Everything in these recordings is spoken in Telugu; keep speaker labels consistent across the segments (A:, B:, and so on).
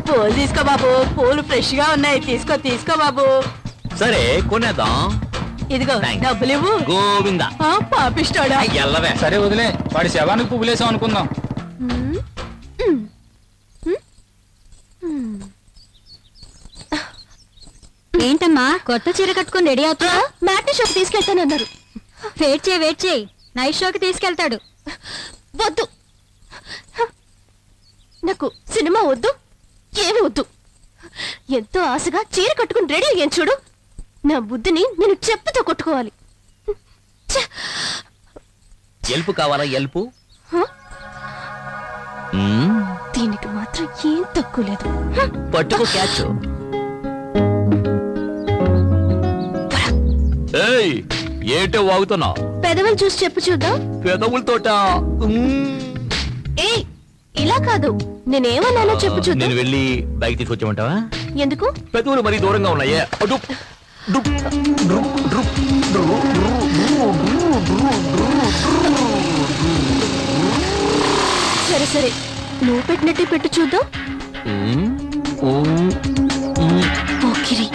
A: పూలు తీసుకో బాబు, పూలు ఫ్రెష్ గా ఉన్నాయి. తీసుకో తీసుకో బాబు.
B: సరే కొనేద్దాం.
A: ఇదిగో డబ్బులు ఇవ్వు.
B: గోవిందా.
A: పాపిస్తాడా?
B: ఎల్లవే.
C: సరే వదిలే, వాడి శవానికి పువ్వులేసాం అనుకుందాం.
D: ఏంటమ్మా కొత్త చీర కట్టుకుని రెడీ అవుతా?
A: మ్యాట్నీ షోకి తీసుకెళ్తానన్నారు.
D: వెయిట్ చేయి, నైట్ షోకి తీసుకెళ్తాడు.
A: వద్దు, నాకు సినిమా వద్దు, ఏమి వద్దు. ఎంతో ఆశగా చీర కట్టుకుని రెడీ అయ్యాను చూడు. నా బుద్ధిని నేను చెప్పుతో కొట్టుకోవాలి.
B: ఎల్పు కావాలా? ఎల్పు
A: దీనికి మాత్రం ఏం తక్కువ లేదు.
B: పట్టుకో క్యాచ్. ఏంటో వాగుతున్నావు?
A: పెదవులు చూసి చెప్పు చూద్దాం.
B: పెదవులతోట?
A: ఏ ఇలా కాదు, నేనేమన్నానో చెప్పు చూద్దాం.
B: నేను వెళ్ళి బైక్ తీసుకొచ్చామంటావా?
A: ఎందుకు?
B: పెదవులు మరీ దూరంగా ఉన్నాయే.
A: సరే సరే, నువ్వు పెట్టినట్టే పెట్టు చూద్దాం. పోకిరి.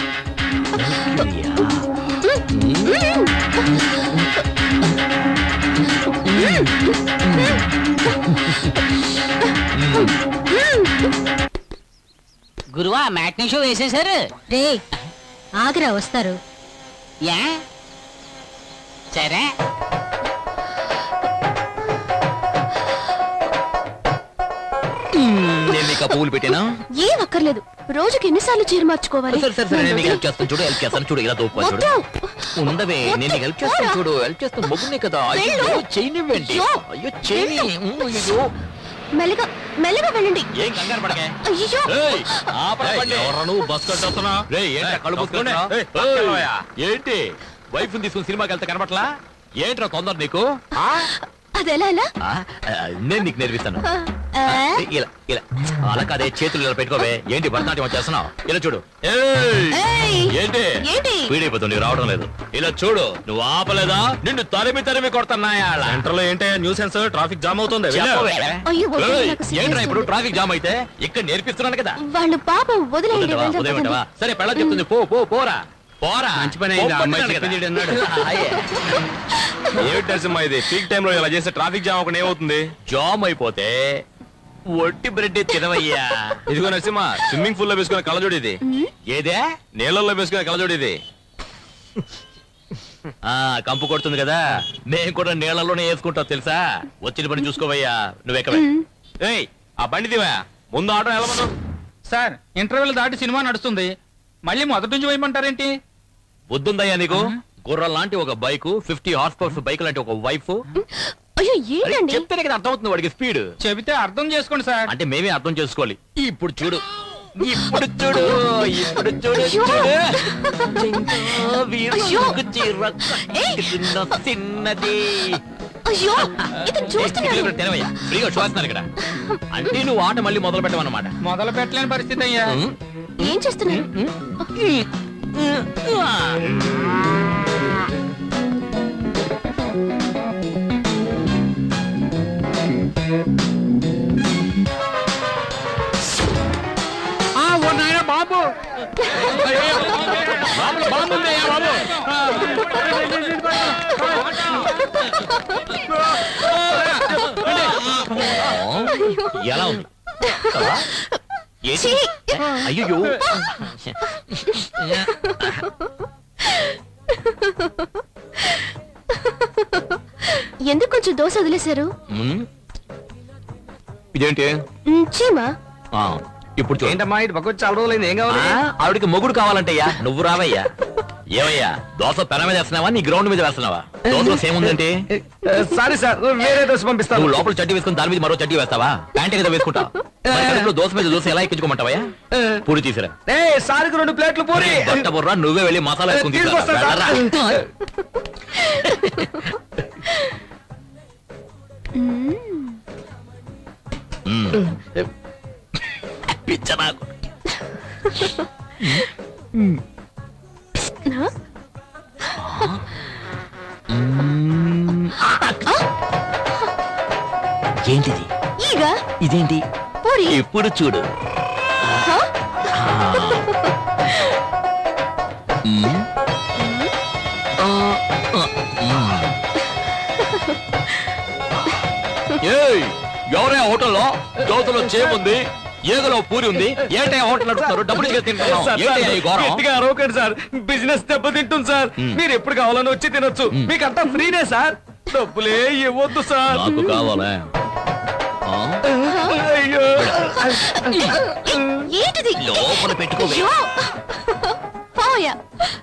E: గురువా మ్యాట్నీ షో వేసేశారు.
D: రే ఆగ్రా వస్తారు.
E: యా సరే.
B: నేను నీకు పువ్వులు పెట్టానా?
A: ఏం అక్కర్లేదు, రోజుకి ఎన్నిసార్లు చీర మార్చుకోవాలి?
B: హెల్ప్ చేస్తాను చూడు, హెల్ప్ చేస్తాను చూడు. ఇలా దూపా చూడు. ఉండవే, నేను హెల్ప్ చేస్తాను చూడు. హెల్ప్ చేస్తాను, మొగ్గునే కదా. అయ్యో చేయనివ్వండి. అయ్యో చేయని. అయ్యో
A: మెల్లగా మెల్లగా వెళ్ళండి.
B: ఏం కంగారు పడకే.
A: అయ్యో
B: నువ్వు బస్ కట్టొస్తున్నా? ఏంటి వైఫ్ తీసుకుని సినిమాకి వెళ్తే కనబట్లా? ఏంట్రా తొందర నీకు?
A: అదెలా ఎలా?
B: నేను నీకు నేర్పిస్తాను. ఇలా ఇలా అలా కాదే, చేతులు ఇలా పెట్టుకోవే. ఏంటి భరతనాట్యం చేస్తున్నావు? ఇలా చూడు. ఏంటి పీడైపోతుంది, రావడం లేదు. ఇలా చూడు. నువ్వు ఆపలేదా? నిన్ను తరిమి తరిమి కొడుతున్నాయా? సెంటర్ లో ఏంటి న్యూసెన్స్? ట్రాఫిక్ జామ్ అవుతుంది. ఏంట్రా ఇప్పుడు ట్రాఫిక్ జామ్ అయితే? ఇక్కడ నేర్పిస్తున్నాను కదా.
A: వాళ్ళు పాపం వదిలేయండి.
B: సరే పెళ్ళ చెప్తుంది, పో పో పోరా పోరా.
C: మంచి పని అయింది. అమ్మాయి చెప్పింది అన్నాడు. ఏమిటి నరసింహ ఇది? పీక్ టైం లో ఇలా చేస్తే ట్రాఫిక్ జామ్ ఒకటి ఏమవుతుంది?
B: జామ్ అయిపోతే ఒట్టి బ్రెడ్ తినవయ్యా.
C: ఇదిగో నరసింహ, స్విమ్మింగ్ పూల్ లో వేసుకునే కళ్ళజోడు ఇది.
B: ఏదే?
C: నీళ్ళల్లో వేసుకునే కళ్ళజోడు ఇది.
B: కంపు కొడుతుంది కదా, మేము కూడా నీళ్లలోనే వేసుకుంటాం తెలుసా. వచ్చిన పని చూసుకోవయ్యా. నువ్వెక్కవే.
C: ఏయ్ ఆ బండి దివా, ముందు ఆటో వెళ్ళమను.
F: సార్ ఇంటర్వెల్ దాటి సినిమా నడుస్తుంది, మళ్ళీ మొదటి నుంచి వేయమంటారేంటి?
B: బుద్ధుందయ్యా నీకు? గుర్రం లాంటి ఒక బైక్, 50 హార్స్ పవర్స్ బైక్ లాంటి ఒక వైఫ్.
A: అయ్యో ఏంటండి?
B: చెప్తేనే కదా అర్థమవుతుంది వాడికి స్పీడ్.
F: చెబితే అర్థం చేసుకోండి సార్.
B: అంటే మేమే అర్థం చేసుకోవాలి. ఇప్పుడు చూడు, ఇప్పుడు చూడు, ఇప్పుడు చూడు. చిన్నది.
A: అయ్యో ఇతను చూస్తున్నాడు.
B: తినవయ్యా, ఫ్రీగా చూస్తున్నారు ఇక్కడ. అంటే నువ్వు ఆట మళ్ళీ మొదలు పెట్టమన్నమాట.
F: మొదలు పెట్టలేని పరిస్థితి అయ్యా.
A: ఏం చేస్తున్నారు?
F: బాబు బాబు
B: ఎలా ఉంది? అయ్యో
A: ఎందుకు కొంచెం దోశ వదిలేశారు?
B: ఇదేంటి?
A: చీమా.
B: ఇప్పుడు
C: ఏంటమ్మా ఇటు పక్క చాలా రోజులైంది, ఏం కావాలి?
B: ఆవిడికి మొగుడు కావాలంటయ్యా. నువ్వు రావయ్యా. ఏమయ్యా దోశ పెన మీద వేస్తున్నావా, నీ గ్రౌండ్ మీద వేస్తున్నావా? దోశలో సేమ్ ఉందంటే
C: సారీ సార్, వేరే దోశ పంపిస్తాను.
B: నువ్వు లోపల చడ్డీ వేసుకుని దాని మీద మరో చడ్డీ వేస్తావా? ప్యాంట్ కదా వేసుకుంటా. దోశ మీద దోశ ఎలా ఎక్కించుకోమంటావా? పూరి తీసిరా.
C: సారికి 2 ప్లేట్లు పూరి.
B: బుర్రా, నువ్వే వెళ్ళి మసాలా వేసుకుని పిచ్చ నాకు. ఏంటిది?
A: ఈగా
B: ఇదేంటి?
A: పూరి.
B: ఇప్పుడు చూడు. ఎవరే హోటల్లో జ్యోతిలో చేముంది, ఏగలో పూరి ఉంది, ఏంటే హోటల్ నడుపుతారు? డబ్బులు ఇచ్చి తింటున్నాం.
C: అరవకండి సార్, బిజినెస్ దెబ్బతింటుంది సార్. మీరు ఎప్పుడు కావాలని వచ్చి తినొచ్చు, మీకంతా ఫ్రీనే సార్. డబ్బులే ఇవ్వద్దు సార్.
B: నాకు కావాలా?
C: అయ్యో
A: ఏంటిది?
B: లోపల పెట్టుకోవే.
A: అయ్యో. పోయా.